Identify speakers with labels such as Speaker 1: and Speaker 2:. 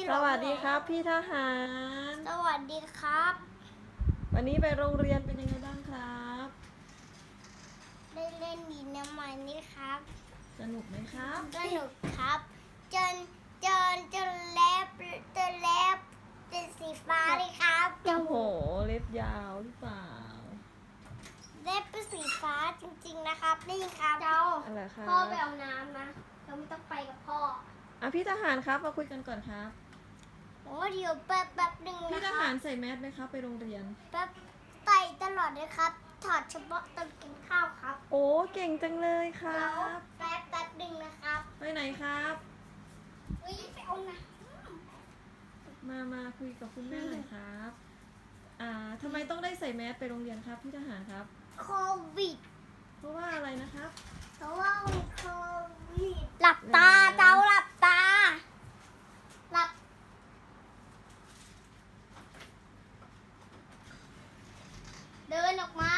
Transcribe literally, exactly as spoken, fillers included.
Speaker 1: สวัสดีครับพี่ทหาร
Speaker 2: สวัสดีครับ
Speaker 1: วันนี้ไปโรงเรียนเป็นยังไงบ้างครับ
Speaker 2: ได้เล่นดินน้ำมันนี่ครับ
Speaker 1: สนุกไหมครับ
Speaker 2: สนุกครับ จนจนจนเล็บจนเล็บเป็นสีฟ้าเลยครับ
Speaker 1: โอ้โหเล็บยาวหรือเปล่า
Speaker 2: เล็บเป็นสีฟ้าจริงๆนะครับนี่ครับเจ้า
Speaker 1: อะไรครับ
Speaker 2: พ่อไปเอาน้ำนะเราไม่ต้องไปกับพ่อ
Speaker 1: อ่ะพี่ทหารครับมาคุยกันก่อนครับ
Speaker 2: ผมว่าเดี๋ยวแป๊บแป๊บหนึ่ง
Speaker 1: พี่
Speaker 2: นะ
Speaker 1: ท
Speaker 2: ค
Speaker 1: หา
Speaker 2: รับ
Speaker 1: รใส่แมสไหมครับไปโรงเรียน
Speaker 2: แป๊บใส่ตลอดเลยครับ ถอดเฉพาะตอนกินข้าวครับ
Speaker 1: โอ้เก่งจังเลยครั
Speaker 2: แล้ว
Speaker 1: บ
Speaker 2: แป๊บแป๊บหนึ่งนะครับ
Speaker 1: ไปไหนครับ
Speaker 2: อุ้ยไปเอาน้
Speaker 1: มามาคุยกับคุณแม่หน่อยครับ อ่าทำไมต้องได้ใส่แมสไปโรงเรียนครับพี่ทหารครับ
Speaker 2: ำโควิด
Speaker 1: เพราะว่าอะไรนะครับ
Speaker 2: เพราะว่าโควิดหลับตาเจ้าหลับตา หลับ เดินออกมา